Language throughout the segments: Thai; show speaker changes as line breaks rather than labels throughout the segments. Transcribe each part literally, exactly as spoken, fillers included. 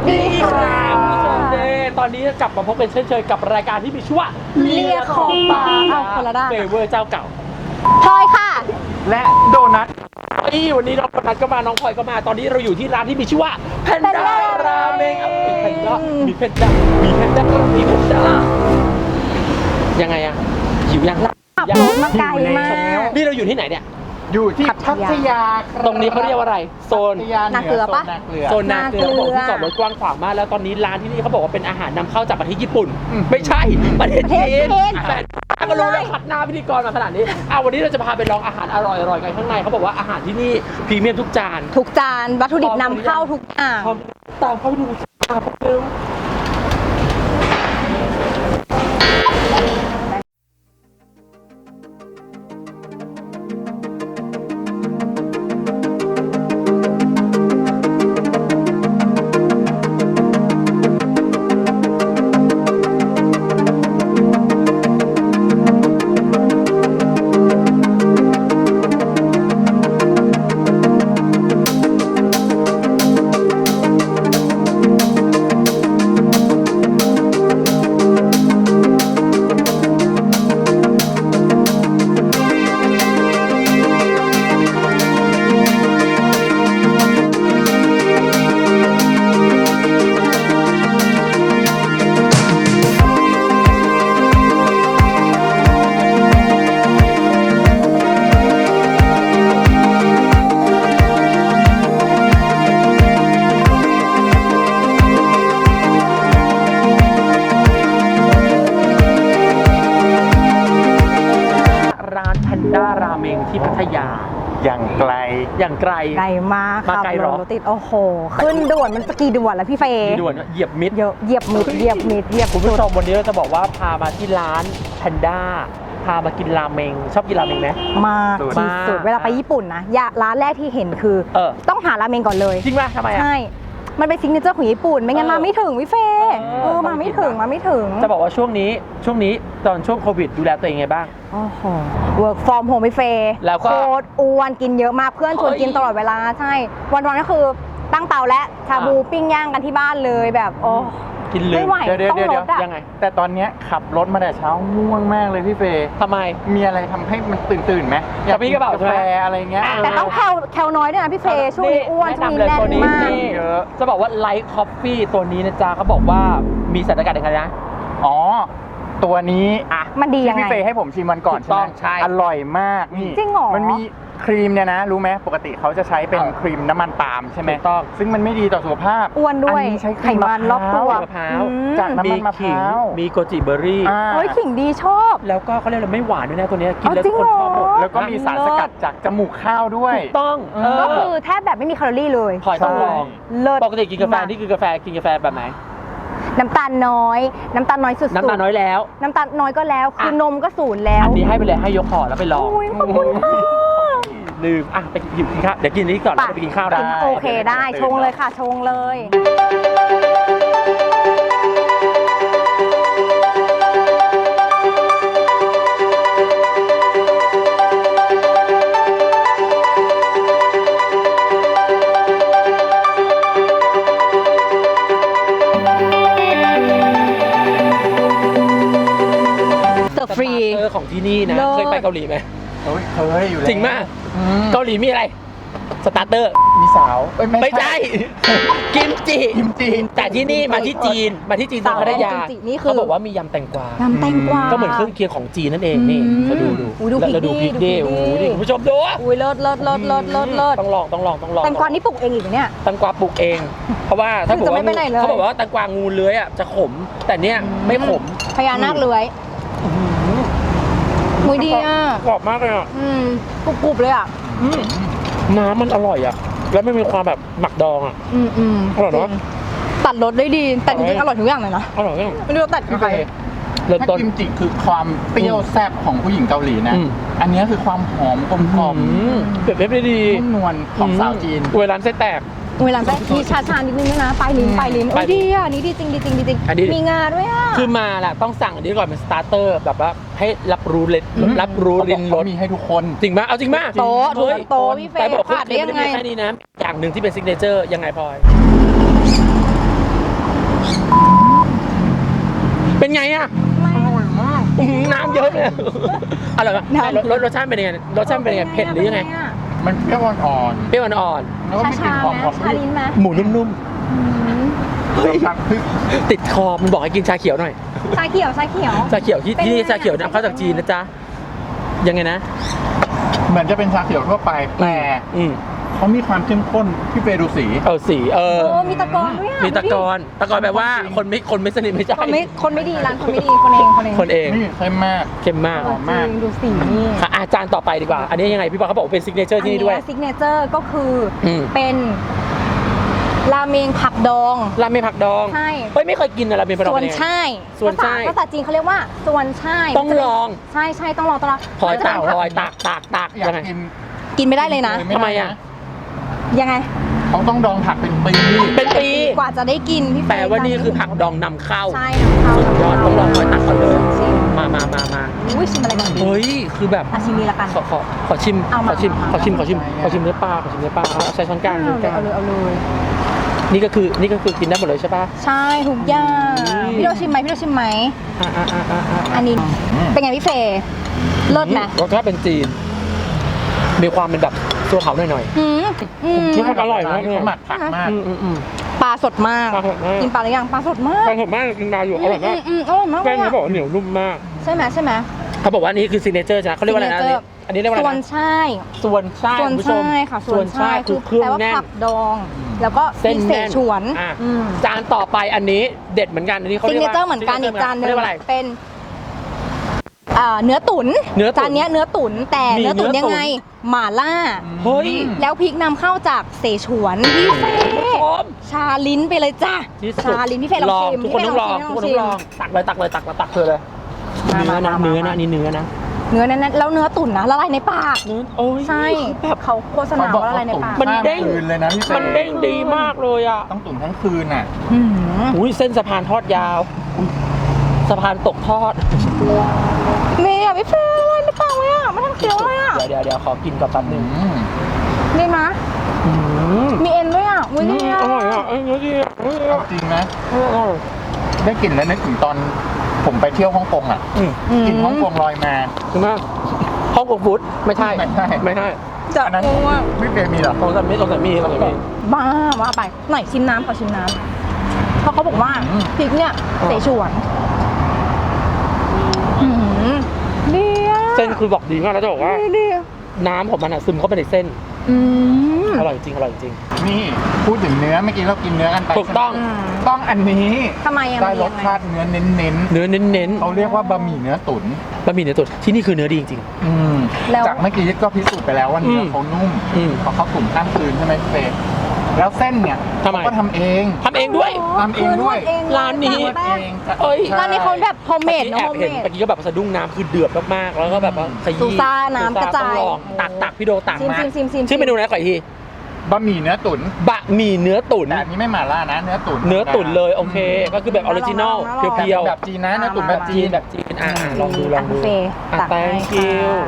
ดีค่ะ
คุณผู้ชมเด้ตอนนี้กลับมาพบกันเช่นเคยกับรายการที่มีชื่อว่า
เลียขอบปากเอาคนละด้าน
เฟเวอร์เจ้าเก่า
พลอยค่ะ
และโดนัท
นี่วันนี้น้องโดนัทก็มาน้องพลอยก็มาตอนนี้เราอยู่ที่ร้านที่มีชื่อว่าแพนด้าราเมงมีแพนด้ามีแพนด้ามีแพนด้ามีแพนด้ายังไงอะหิวยัง
ขับรถมาไกลมาก
นี่เราอยู่ที่ไหนเนี่ย
อยู่ที่
พั
พั
ทยา
ทยาครับ
ตรงนี้เขาเรียกว่าอะไรโซน
พัทยาเห
นาเกลื
นื
อ
อ
ปะ
โซนนาเกลือ
โซนนาเกลือ
นาเกลือ
บอกที่จอดรถกว้างขวางมากแล้วตอนนี้ร้านที่นี่เขาบอกว่าเป็นอาหารนำเข้าจากประเทศญี่ปุ่น ไม่ใช่ประเทศจีนแต่ก็รู้แล้วขัดหน้าพิธีกรมาขนาดนี้อ่ะวันนี้เราจะพาไปลองอาหารอร่อยๆกันข้างในเขาบอกว่าอาหารที่นี่พรีเมียมทุกจาน
ทุกจานวัตถุดิบนำเข้าทุกอย่าง
พร้อมตามเข้าไปดูตามไปเร็วร้านแพนด้าราเมงที่พัทยา
อย่างไกล
อย่างไกล
ไกลมาก
มา
ขับ
ไกลเห
ร
รอ
ถรถติดโอ้โห ขึ้นด่วนมันจะกี่ด่วนแล้วพี่เฟย์
มีด่วนเหยียบมิด
เยอะเหยียบมิดเหยียบมิดเหยียบ
คุณ
สุ
ผู้
ด
ชมวันนี้เราจะบอกว่าพามาที่ร้านแพนด้าพามากินราเมงชอบกินราเมงไหม
มากที่สุด
มาก
เวลาไปญี่ปุ่นนะอย่าร้านแรกที่เห็นคือ
เออ
ต้องหาราเมงก่อนเลย
จริงป่ะทำไมอ่ะ
ใช่ มันเป็นซิกเนเจอร์ของญี่ปุ่น ไม่งั้น
เออ
มาไม่ถึงพี่เฟย์
เออ
เออ มาไม่ถึง มาไม่ถึง
จะบอกว่าช่วงนี้ช่วงนี้ตอนช่วงโควิดดูแลตัวเองไงบ้าง
โอ้โห work from home พี่เฟย์
แล้วก็
โคตรอ้วนกินเยอะมาก เพื่อนชวน
เฮ้ย
กินตลอดเวลา ใช่ วันๆก็คือตั้งเตาและชาบู
อ่ะ
ปิ้งย่างกันที่บ้านเลยแบบ โอ้
กินลื
ไม่
ม
ไหว
เดี๋ยวเดี๋ยว
ต้อง
เดี๋ยว
ลดอะ
ยังไง
แต่ตอนเนี้ยขับรถมาแต่เช้าง่วงมากเลยพี่เฟย์
ทำไม
มีอะไรทำให้มันตื่นตื่นๆไหมอยาก
กระปรี้
กิ
กระเป๋า
กาแฟ
ใช่ไหม
อะไรเงี้ย
แต่ต้องแคลแคลน้อยด้วยนะพี่เฟย์ช่วงนี้อ้วนช่วงนี้
แนะ
แน่น
นำเลยตัวนี้
มาก
นี่
เยอะ
จะบอกว่าไลท์คอฟฟี่ตัวนี้นะจ๊ะเขาบอกว่ามีสารสกัดยังไงนะ
อ๋อ ตัวนี้
อ่ะ
มันดียัง
ที่
ไง
พี่เฟย์ให้ผมชิมวันก่อน
ถูกต้อง
ใช่ไหม
ใช่
อร่อยมากนี่
จริงเหรอ
มันมีครีมเนี่ยนะ รู้ไหมปกติเขาจะใช้เป็น
เออ
ครีมน้ำมันปาล์มใช่ไหม
ถูกต้อง
ซึ่งมันไม่ดีต่อสุขภาพ
อ้วนด้วย
อันนี้ใช้ค
ไข
รีม
มันรอบตัว
มะพร้าว
อืม
จากน้ำมันมะพ
ขิง
ร้าว
มีโกจิเบอร์รี่
อ่า
เฮ้ยขิงดีชอบ
แล้วก็เขาเรียกอะไรไม่หวานด้วยนะตัวเนี้ยกินแล้ว
เอาจริง
คนชอบหมด
เหรอ
แล้วก็มีสารสกัดจากจมูกข้าวด้วย
ถูกต้อง
เออ
ก็คือแทบแบบไม่มีแคลอรี่เลย
พลอยต้องลอง
เลิศ
ปกติกินกาแฟนี่คือกาแฟกินกาแฟแบบไหน
น้ำตาลน้อย น้ำตาลน้อยสุดๆ
น้ำตาลน้อยแล้ว
น้ำตาลน้อยก็แล้ว คือ
อ่ะ
นมก็ศูนย์แล้ว
อันนี้ให้ไปเลยให้ยกห่อแล้วไปลอง
โอ้ยขอบคุณค่ะ
ลืมอ่ะไปกินข้าวเดี๋ยวกินนี้ก่อนแล้วไปกินข้าว
ได้
ได้
โอเคได้ ชงเลยค่ะ ชงเลย เสิร์ฟฟรี
สตาร์เตอร์ของที่นี่นะ
เลิศ
เคยไปเกาหลีไหม
เฮ้ยเคยอยู่แล้ว
จริงมาก
อืม
เกาหลีมีอะไรสตาร์เตอร์
มีสาวเอ้ย
ไม่ใช่ กิมจิ
กิมจิ
แต่ที่นี่มาที่จีนมาที่จีนตรงพัทยา
กิมจินี่คือ
เขาบอกว่ามียำแตงกวาย
ำแตงกวา
ก็เหมือนเครื่องเคียงของจีนนั่นเองนี่
อืม
มาดูดู
อุ๊ยดู
แล้ว
พริก
ดูพริก
ดิ
ดิ
ดู
โอ้
พริกดิ
โหนี่คุณผู้ชมดู
อุ้ยเลิศเลิศเลิศเลิศเลิศเลิศ
ต้องลองต้องลองต้องลอง
แตงกวานี่ปลูกเองอีกเหรอเนี่ย
แตงกวาปลูกเอง เพราะว่าถ้า
คือจะไม่ไปไหนเลย
เขาบอกว่าแตงกวางูเลื้อยอ่ะจะขม แต่เนี้ยไม่ขม
พญานาคเลื้อยมุยดีอ่ะ
กรอบมากเลยอ่ะ
อืมกรุบกรุบเลยอ่ะ
อืมน้ำมันอร่อยอ่ะแล้วไม่มีความแบบหมักดองอ่ะ
อืมอืม
อร่อยเนอะ
จงตัดรสได้ดี แต่จริงๆอร่อยทุกอย่างเลยนะ
อร่อยมาก
ไม่รู้ว่าตัดกับใคร
เริ่ม
ถ้า
ต้น
กิมจิคือความเปรี้ยวแซ่บของผู้หญิงเกาหลีนะ
อืม
อันนี้คือความหอมกลมกล่อม
อืมเปรียบเทียบได้ดี
นุ่มนวลของสาวจีน
เวลาเส้นแตก
เวลาแบบมีชาชานิดนึงด้วยนะปลายลิ้น
อืม
ปลายลิ้น
ป
โอ้
ลาย ยลิ้น
ดีอ่ะนี่ดีจริงดีจริงดีจริง
อันนี้
มีงาด้วยอ่ะ
คือมาแหละต้องสั่งอันนี้ก่อนเป็นสตาร์เตอร์แบบว่าให้รับรู้เลย
อืม
รับรู้
เขาบ
ลิ้
อก
นร
เขา
ส
มีให้ทุกคน
จริงไหมเอาจริงไหม
โต๊ะทุก
เฮ้ย
โต๊ะพี่เฟ
แต่
ย์
บอก
ขาดได้ยังไง
แค่นี้นะอย่างหนึ่งที่เป็นซิกเนเจอร์ยังไงพลอยอร่อยไหม
น้ำ
รสรสรสชาติเป็นยังไงรสชาติเป็นยังไงเผ็ดหรือยังไง
มันเปรี้ยวอ่อน
เปรี้ยวอ่อน
ๆแล้วก็มีกลิ่
ชาน
หอม
ไหม
ของ
ชาลิ้นไหม
ๆหมูนุ่ม
เฮ้ยผักพริก
ๆติดคอมันบอกให้กินชาเขียวหน่อย
ชาเขียวชาเขียว
ชาเขียวที่
เป็น
ที่นี่
ไง
ชาเขียวนำเข้าจากจีนนะจ๊ะยังไงนะ
เหมือนจะเป็นชาเขียวทั่วไปแต่
อืม
เขามีความเข้มข้นพี่เฟย์ดูสี
เออสีเออ
โอ้มีตะกอนด้วยอ่ะ
มีตะกอนตะกอนแปลว่าคนไม่คนไม่สนิทไม่ใช่
คนไม่คนไม่ดีร้านคนไม่ดีคนเองคนเอง
คนเอง
นี่เข้มมาก
เข้มมาก
เออจริงดูสีนี่
ค่ะอาจารย์ต่อไปดีกว่า อันนี้ยังไงพี่บอลเขาบอกว่าเป็นซิกเนเจอร์ที่นี่ด้วย
ซิกเนเจอร์ก็คืออ
ม
เป็นราเมงผักดอง
ราเมงผักดอง
ใช่
เฮ้ยไม่เคยกินอะราเมงผักดอง
ส่วน
เป็นยังไง
ช่าย
ส่วนช่าย
ภาษาภาษาจีนเขาเรียกว่าส่วนช่าย
ต้องลอง
ใช่ใช่ต้องลองต้องลอง
พลอยตาก
มันจะ
พลอยตากตากตาก
อยาก
ยังไง
กิน
กินไม่ได้เลยนะ
เลย
ทำไมอะ
ยังไง
เขาต้องดองผักเป็นปี
เป็นปี
กว่าจะได้กินพี่เฟย์
แปลว่านี่คือผักดองนำเข้า
ใช่นำเข้า
สุดยอดต้องลองพลอยตักก่อนเลย
ชิม
มามามามา
อุ้ยชิมอะไรกันดี
เฮ้ยคือแบบ
อาชิมนี้ละกัน
ขอขอขอชิม
เอา
ข
มา
อชิม
เอามา
ขอชิมขอชิมขอชิมเนื้อปลาขอชิมเนื้อปลาเอาใช้ช้อนกลางช้อนกลาง
เอาเลยเอาเลยเอาเลย
นี่ก็คือนี่ก็คือกินได้หมดเลยใช่ปะ
ใช่ทุกอย่าง
อืม
พี่โดชิมไหมพี่โดชิมไหม
อ่าอ่าอ่าอ่าอ่า
อันนี้เป็นไงพี่เฟย์เลิศไหม
รสชาติเป็นจีน มีความเป็นแบบตัวเผาหน่อย
อืมอืม
นี่มันอร่อยมากเลย
เขาหมักผักมาก
ๆอืมอืมอืม
ปลาสดมาก
ปลาสดมาก
กินปลาหรือยังปลาสดมาก
ปลาสดมากกินมาอยู่อร่อยมาก
อืมอืมอร่อยมาก
แป้ง
เลย
เขา
อะ
บอกว่าเหนียวนุ่มมาก
ใช่ไหมใช่ไหม
เขาบอกว่าอันนี้คือซิกเนเจอร์ใช่ไหมเขาเรียกว่าอะไรนะอันนี้อันนี้เรียกว่า
ส่
อะ
ว
ไร
น
นะ
ใช่
ส่วนช่าย
ส่วน
คุณผู้ชม
ใช่ค่ะส่วนใช่
คือเครื่อง
แปลว่า
แน่น
ผักดอง แล้วก็
เส้น
มีเส
แน่น
ฉวน
อ่ะ
อืม
จานต่อไปอันนี้เด็ดเหมือนกันอันนี้เขา
ซิ
เรี
ก
ยก
เน
ว่า
เจอร์เหมือนกันอีกจานหนึง
เรียกว่าอะไร
เป็นอ่าเนื้อตุ๋น
เนื้อตุ๋น
จานเนี้ยเนื้อตุ๋นแต่
มี
เนื้อตุ๋น
เนื้อตุ๋น
ยังไงหม่าล่า
เฮ้ย
แล้วพริกนำเข้าจากเสฉวนพี่เฟ
คุณผู้ชม
ชาลิ้นไปเลยจ้า
ที่สุด
ชาลิ้นพี่เฟลองชิม
ทุกคนต้องลอง
พี่
ทุก
เฟ
คนต้องลองตักเลยตักเลยตักเลยตักเธอเลย
มา
เนื้อนะ
มามา
เนื้อ
มา
นะอันนี่เนื้อนะ
เนื้อแน่นๆแล้วเนื้อตุ๋นนะละลายในปาก
เนื้อโอ้ย
ใช่
แบบ
เขาโฆษณาว่าละลายในปาก
มันเด้ง
ข้ามคืนเลยนะพี่เฟย์
มันเด้งดีมากเลยอ่ะ
ต้องตุ๋นทั้งคืนอ่ะ
หืม
อุ้ยเส้นสะพานทอดยาวอุ๊ยสะพานตกทอด
นี่อ่ะพี่เฟลละลายในปากเลยอ่ะไม่ทันเคี้ยวเลยอ่ะ
เดี๋ยวเดี๋ยวเดี๋ยวขอกินก่อนแป๊บหนึง
อืม
ดีนะ
อืม
มีเอ็นด้วยอ่ะอุ้ยดีอ่ะ
อร่อยอ่ะเอ้ยเนื้อดีอ่ะเอ้ย
เอาจริงนะ
อร่อย
ได้กลิ่นแล้วนึกถึงตอนผมไปเที่ยวฮ่องกงอ่ะ
อืม
กลิ่นฮ่องกงลอยมา
ถึงมากห้องกงฟู้ดไม่ใช่
ไม่ใช่
ไม่ใช่
จะ
อันนั้น
อ้วก
พี่เฟย์มีเหรอ
ลองสัมมีลองสัมมีลองสัมมี
บ้าว่าไปหน่อยชิมน้ำขอชิมน้ำเพราะเขาบอกว่า
อืม
พริกเนี่ย
อ๋อ
เสฉวนหืมดีอ่ะ
เส้นคือบอกดีมากแล้วจะบอกว่า
ดีดี
น้ำของมันอ่ะซึมเข้าไปในเส้น
อืม
อร่อยจริงอร่อยจริง
นี่พูดถึงเนื้อเมื่อกี้เรากินเนื้อกันไป
ถูกต้อง
อืม
ต้องอันนี้
ทำไมอ่ะ
ได้
มัน
ร
ยั
ส
งไง
ชาติเนื้อเน้น
เนื้อเน้น
ๆเขาเรียกว่าบะหมี่เนื้อตุ๋น
ๆบะหมี่เนื้อตุ๋นที่นี่คือเนื้อดีจริง
อืม
แล้ว
จากเมื่อกี้ก็พิสูจน์ไปแล้วว่าเนื้ออ
ม
เขานุ่ม
อืม
เพราะเขาตุ๋นข้ามคืนใช่ไหมพี่เฟย์แล้วเส้นเนี่ย
ทำไม
เขาก็ทำเอง
ทำเองด้วย
ทำเองด้วย
คืนวดเอง
ร้านนี้
แป้ง
เอง
เอ้ย
ใช่
ร้านนี้เขาแบบโฮมเมด
เมื่อกี้
เน
แอ
อะ
บ
โฮม
เห็น
เมด
เมื่อกี้ก็แบบสะดุ้งน้ำคือเดือดมากๆแล้วก็แบบว่าขยี้
ซูซ่าน้ำกระจาย
ต้องลองตักตักพี่โดตัก
ชิม
มา
ชิมชิมชิม
ชื่อเมนูไหนขออีกที
บะหมี่เนื้อตุ๋น
บะหมี่เนื้อตุ๋น
แต่อันนี้ไม่หม่าล่านะ เนื้อตุ๋น
เนื้อตุ๋นเลยโอเค ก็คือแบบออริจินอล
ลองๆ
เพียว
แบบจีนนะเนื้อตุ๋น
ๆ
แบ
แบบ บ
จี
จี
น
นแบบจีนอ่าลองดูลองดู
ะบุฟเฟ่ต์
อ่ะ
ตักให้
thank you
ค่ะ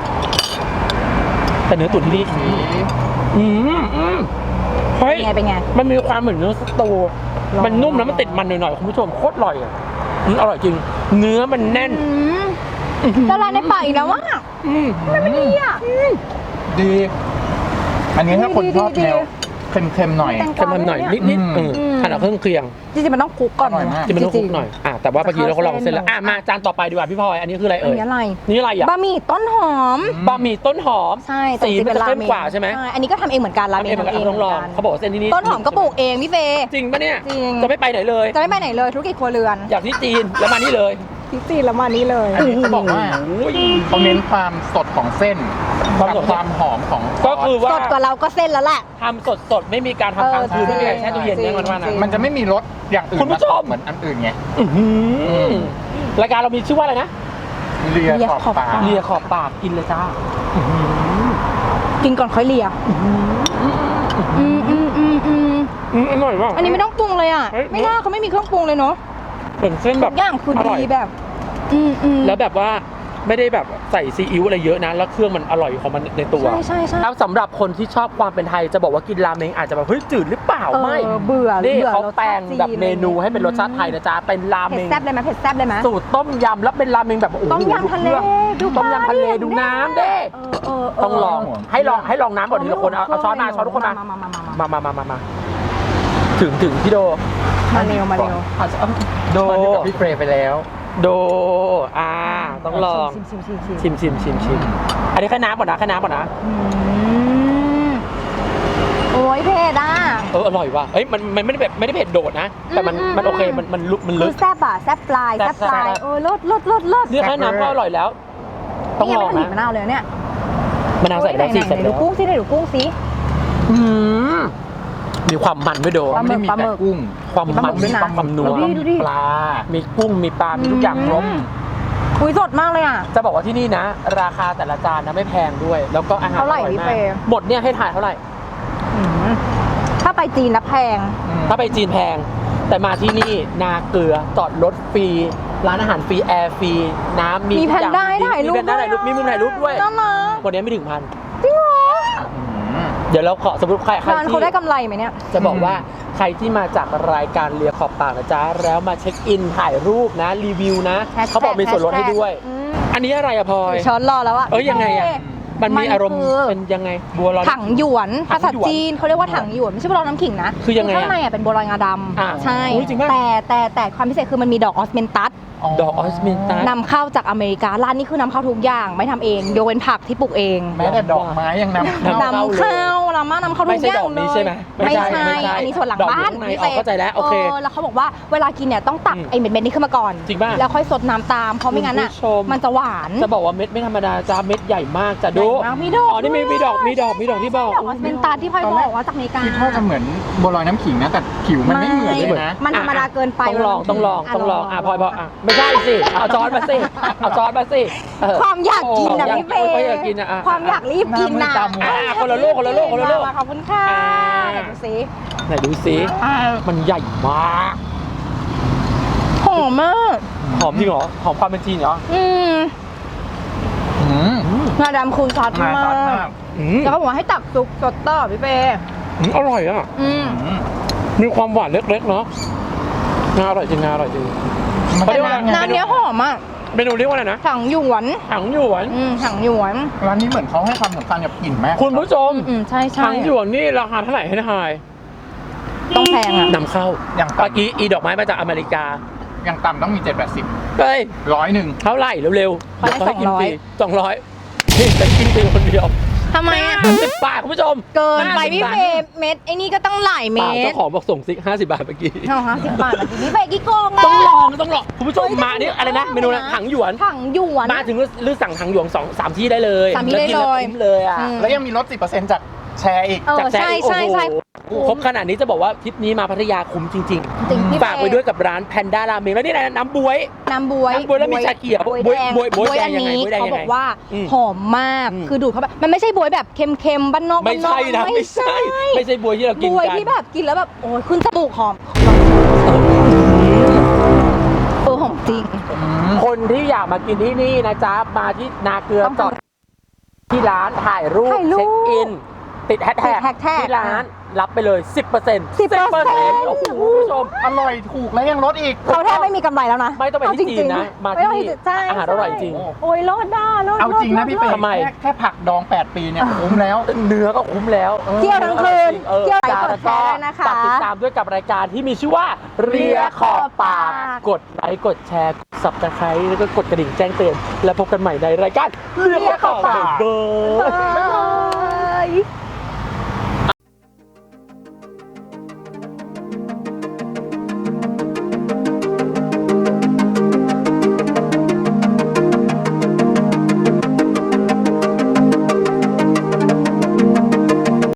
แต่เนื้อตุ๋นที่นี่อืมอืมเฮ้ย
เป็นไงเป็นไง
มันมีความเหมือนเนื้อสตู
ลอง
มันนุ่มแล้วมันติดมันหน่อยๆคุณผู้ชมโคตรอร่อยอ่ะอืมอร่อยจริง เนื้อมันแน่น
อืมละลายในปากอีกแล้วว่ะ
อืม
ไม่ดีอ่ะ
ดี อันนี้ถ้าคนชอบ
ดี
แนว
ดี
เค็มๆหน่อย
แตง
เค็มๆหน่อยนิดๆ
อืม
เออหั่นเอาเครื่องเคียง
จริงๆมันต้องคลุกก่อน
อร่อยมาก
ที่มันต้องคลุกหน่อยอ่ะแต่ว่าเมื่อกี้เราก็ลองเส้นแล้ว
เข้าเส้น
อ่ะมาจานต่อไปดีกว่าพี่พลอยอันนี้คืออะไร
อัน
เอ่ย
นี้อะไร
นี่อะไรอ่ะ
บะหมี่ต้นหอม
บะหมี่ต้นหอม
ใช่แต่
สี
จริงๆ
มันจะ
รา
เข้ม
ม
กว่าใช่ไหม
ใช่อันนี้ก็ทำเองเหมือนกันราเม
ทำเอง
ง
เหมือนกัน
ทำเอง
ต้องลอง
หมืนน
เขาบอกว่าเส้นที่นี่
ต้นหอมก็ปลูกเองพี่เฟย์
จริงปะเนี่ย
จริง
จะไม่ไปไหนเลย
จะไม่ไปไหนเลยธุรกิจครัวเรือน
อยากที่จีนแล้วมานี่เลย
ที่จีนแล้วมานี้เลย
อันนี้เขาบอกว่า
โอ้ย
เขาเน้นความสดของเส้น
ความ
กับ
สด
ความหอมของซ
ก็
อส
คือว่า
สดกว่าเราก็เส้นแล้วแหละ
ทำสดสดๆไม่มีการทำค้างคืน
เออ
ไม่มีการแช่ตู้เย็น
จริง
เนี่ยมันว่านะ
จริง
มันจะไม่มีรสอย่างอื่น
คุณผู้ชม
เหมือนอันอื่นไง
อื้อหือรายการเรามีชื่อว่าอะไรนะ
เลีย
เลีย
ขอบ
ขอบ
ปาก
ปาก
เลียขอบปากกินเลยจ้าอื้อหือ
กินก่อนค่อยเลียอืมอืมอืมอืม
อืมอร่อยมาก
อันนี้ไม่ต้องปรุงเลยอ่ะ
เฮ้ย
ไม่น่าเขาไม่มีเครื่องปรุงเลยเนาะ
เหมือนเส้นแบ
ทุ
บ
กอย่างคือ
อร่อย
ดีแบบ อืมอืม
แล้วแบบว่าไม่ได้แบบใส่ซีอิ๊วอะไรเยอะนะแล้วเครื่องมันอร่อยของมันในตัว
ใช่ใช่ใช่
แล้วสำหรับคนที่ชอบความเป็นไทยจะบอกว่ากินราเมงอาจจะแบบเฮ้ยจืดหรือเปล่า
เออ
ไม่
เบื่อ
นี่
เบื่อ
เขา
รสชาติ
แปลงแบบ
จีน
เมนูให้เป็นรสชาติไทยนะจ๊ะเป็นราเม
เผ็ด
ง
แซ่บเลยไหมเผ็ดแซ่บเลยไหม
สูตรต้มยำแล้วเป็นราเมงแบบโอ้โห
ต้มยำทะเล
ดู
ดู
ต้มยำทะเล
ปลาดิ
ดูน้ำเด้
เออเออเ
ต้องลองให้ลองให้ลองน้ำก่อนทีละคนเอาเอาช้อนมาช้อนทุกคนมา
มามามามา
มามามามามาถึงถึงพี่โด
มาเร็วมาเร็ว
อ่ะเอาโด
ตอนนี้กับพี่เฟรย์ไปแล้ว
โดอ่าต้องลอง
ชิมชิมชิมชิม
ชิมชิมชิมชิมอันนี้แค่น้ำก่อนนะแค่น้ำก่อนนะ
อืมโอ้ยเผ็ดอ่ะ
เอออร่อยว่ะเอ้ยมันมันไม่ได้แบบไม่ได้เผ็ดโดดนะ แต่มัน
อืม
มันโอเคมันมันลึกมัน
คื
ลึ
อก แซ่บอ่ะแซ่บปลาย
แซ่
แซ่
บบ
ปลาย
แซ่บ
เออลดลดลดลด
นี่แค่น้ำก็อร่อยแล้ว ต้อง
นี่
ล
ยัง
อง
ไม่ทันบีบ
นะ
มะนาวเลยเนี่ย
มะนาวใส่ไปแล้วสิ
ไหน
ใส่
ไหน
ไป
ดู
แล้ว
กุ้งสิไหนดูกุ้งสิ
อืมมีความมันด้วยโด
ปลาหมึ
ไม่
ก
ได้มีแต่กุ้ง
ความ
ปลาหมึ
มัน
กด้วยนะ
ความนัว
ดูดิดูดิ
ปลา
มีกุ้งมีปลา มีทุกอย่างครบ
คุยสดมากเลยอ่ะ
จะบอกว่าที่นี่นะ ราคาแต่ละจานนะไม่แพงด้วย แล้วก็อาหารอ
เท่าไหร่
ร่อย
พี่
มา
เฟ
ก
ย์
หมดเนี่ยให้ถ่ายเท่าไหร่
อืมถ้าไปจีนนะแพง
ถ้าไปจีนแพง แต่มาที่นี่นาเกลือจอดรถฟรี ร้านอาหารฟรีแอร์ฟรีน้ำมี
มี
ทุ
แพ
ก
น
อย่าง
ด้าให้ถ่ายรูป
มีแพนด้าถ่ายรูปมีมุมถ่ายรูปด้วย
น่ารัก
วันนี้ไม่ถึงพัน
จริงเหรอ
เดี๋ยวเราขอสมมติใครใคร
ร้าน
ที่
เขาได้กำไรไหมเนี่ย
จะบอกว่าใครที่มาจากรายการเลียขอบปากนะจ๊ะแล้วมาเช็คอินถ่ายรูปนะรีวิวนะ
Hashtag
เขาบอกมีส่วนลดให้ด้วย
อืม
อันนี้อะไรอะพลอย
ช้อนรอแล้วอะ
เอ้ยยังไงอะ มันมีอารมณ์
มันคือ
เป็นยังไงบัวลอย
ถังหยวน
ถั
ภาง
หยวน
ษาจีนเขาเรียกว่าถังหยวนไม่ใช่บัวลอยน้ำขิงนะ
คือยังไงอะ
ข้างในอะเป็นบัวลอยงาด
อ่า
ำใช่
อุ๊ยจริงปะ
แต่แต่แต่ความพิเศษคือมันมีดอกออสเมนตัส
ดอกออสมินตัส
นำเข้าจากอเมริการ้านนี้คือนำเข้าทุกอย่างไม่ทำเองยกเว้นผักที่ปลูกเอง
แม้แต่ดอกไม้ยังนำ
นำ
เข้า
นำเข้านำมานำเข้าทุ
ไม่
ก
ใช่
อย่า
ด
ง
อก
เล
นี้
ย
ใช่ไหม
ไม่ใช่
ไม่ใช่
อันนี้ส่วนหลัง
ดอกอยู่
บ้าน
ข้างใน
พี่
อ๋อเข้าใจแล้วโอเค
แล้วเขาบอกว่าเวลากินเนี่ยต้องตัก
อืม
ไอ้เม็ดๆนี้ขึ้นมาก่อน
จริงป่ะ
แล้วค่อยสดน้ำตามเพราะไม่งั้นอ่ะ
คุณผู้ชม
มันจะหวาน
จะบอกว่าเม็ดไม่ธรรมดาจ้าเม็ดใหญ่มากจ้ะดู
ใหญ่มากมีดอก
อ๋อนี่มีมีดอกมีดอกมีดอกที่บอก
ดอกออสเมนตัสที่พลอยบอกว่าจากอเมริกา
คิดว่าจะเหมือนบัวลอยน้ำขิงนะ แต่ผิวมันไม่เหมือนเลยนะ
มันธรรมดาเกินไป
ต้องลองต้องลอง
ะ
ต้องลอง
ลอง
อ่ะพลอยพลอยอ่ะไม่ใช่สิเอาจอนมาสิเอาจอนมาสิเออ
ความอยากกินนะ
โอ้
พี่เฟ
ความ
ย์
อยากกินอะอ่ะ
ความอยากรีบกินนะ
หน้ามือตามัว
อ่ะคนละลูกคนละลูกคนละลูก
มาขอบคุณค่ะ
อ่า
ไหนดูสิ
ไหนดูสิมันใหญ่มาก
หอมมาก
หอมจริงเหรอหอมความเป็นจีนเหรอ
อืม
อืม
งาดำคูณซอส
มา
มา
ซอสมาก
ก
อืม
แล้วเขาบอกว่าให้ตักซุปสดต่อพี่เฟย์
อืมอร่อยอ่ะ
อืม
อืม
มีความหวานเล็กๆเนาะงาอร่อยจริงงาอร่อยจริง
มัน
เขาเรี
เป็
ยกว่า
นไง
น้ำเนี้ยหอมอ่ะ
เมนูเรียกว่าอะไรนะ
ถังหยวน
ถังหยวน
อืมถังหยวน
ร้านนี้เหมือนเขาให้ความสำคัญกับกลิ่นแม่
คุณผู้ชม
อืมใช่ใช่
ถังหยวนนี่ราคาเท่าไหร่ให้ทาย
ต้องแพงอ่ะ
นำเข้า
อย่าง
เมื่อ
ต่ำ
กี้อีดอกไม้มาจากอเมริกา
อย่างต่ำต้องมีเจ็ดแปดสิบ
เฮ้ย
ร้อยหนึ่ง
เท่าไหร่เร็วๆ
เขาให้
เดี๋วเขาให้กิน
สองร้อย
ฟรีสองร้อยนี่แต่กินฟรีคนเดียว
ทำไมอ่ะ
สิบบาทคุณผู้ชม
เกินไป
ห้าสิบ
พี่
บาท
เฟย์เม็ดไอ้นี่ก็ต้องหลาย
เป
เม็
ล่า
ด
เจ้าของบอกส่งซิกห้าสิบบาทเมื่อกี้
เอาห้าสิบบาทมาสิพี่เฟย์กี่โกงอ่ะ
ต้องลองต้องลองคุณผู้ชม
เฮ้ย
มานี่อะไรนะ
ต้องลอง
เมนูนะ
นะ
ถังหยวน
ถังหยวน
มาถึงหรือสั่งถังหยวนสองสามที่ได้เลย
สามที่ได้
แวกินแว
เลย
คุ้มเลยอ่ะ
อืม
แล้วยังมีลดสิบเปอร์เซ็นต์จากแชร์อีก
เออ
จากแซ่
ใช่
โอ้
ใช่
โห
ใช่
ครบขนาดนี้จะบอกว่าทริปนี้มาพัทยาคุ้มจริง
จริงพี่
ๆฝากไว้ด้วยกับร้านแพนด้าราเมงแล้วนี่อะไรนะน้ำบวย
น้ำบวย
น้ำบ๊วยแล้วมีชาเขียว
บวย
บ๊วย
แดง
บ๊วยบ๊วย
อัน
แดงยังไง
นี้
บ๊วยแดง
เขา
ยัง
บ
ไง
อกว่า
อืม
หอมมาก
อืม
คือดูดเข้าไปมันไม่ใช่บวยแบบเค็มๆบ้านนอก
ไม่ใช่นะ
บ้า
ไม่ใช่ไม่ใช่บวยที่เรากิน
บวย
กัน
ที่แบบกินแล้วแบบโอ้ยขึ้นจมูกหอมเออหอมจริง
คนที่อยากมากินที่นี่นะจ๊ะมาที่นาเกลือ
ต้อง
จอดที่ร้านถ่ายรูป
ถ่ายรูป
เช็คอิน ติดแฮชแท็ก
ติด hashtag
ที่ร้านรับไปเลย สิบเปอร์เซ็นต์
สิบเปอร์เซ็นต์
โอ้โหคุณผู้ชม
อร่อยถูกแล้วยังลดอีก
เขาแทบไม่มีกำไรแล้วนะ
ไม่ต้องไปที่จีนนะมา
ไม่ต้อง
ที่
ที่ใช่
อาหารอร่อยจริง
โอ้ยรอดได้รอด
เอาจริงนะพี่เฟย์
ทำไม
แค่แค่ผักดองแปดปีเนี่ยคุ้มแล้ว
เนื้อก็คุ้มแล้ว
เที่ยวทั้งคืน
ออ
เที่ยวไหน
จ้าก
ด
แล้ว
แชร์นะคะ
ฝากติดตามด้วยกับรายการที่มีชื่อว่าเรียขอบปาก กดไลค์กดแชร์สับตะไคร้แล้วก็กดกระดิ่งแจ้งเตือนแล้วพบกันใหม่ในรายการเรียขอบปากเบอร์
บ๊ายบาย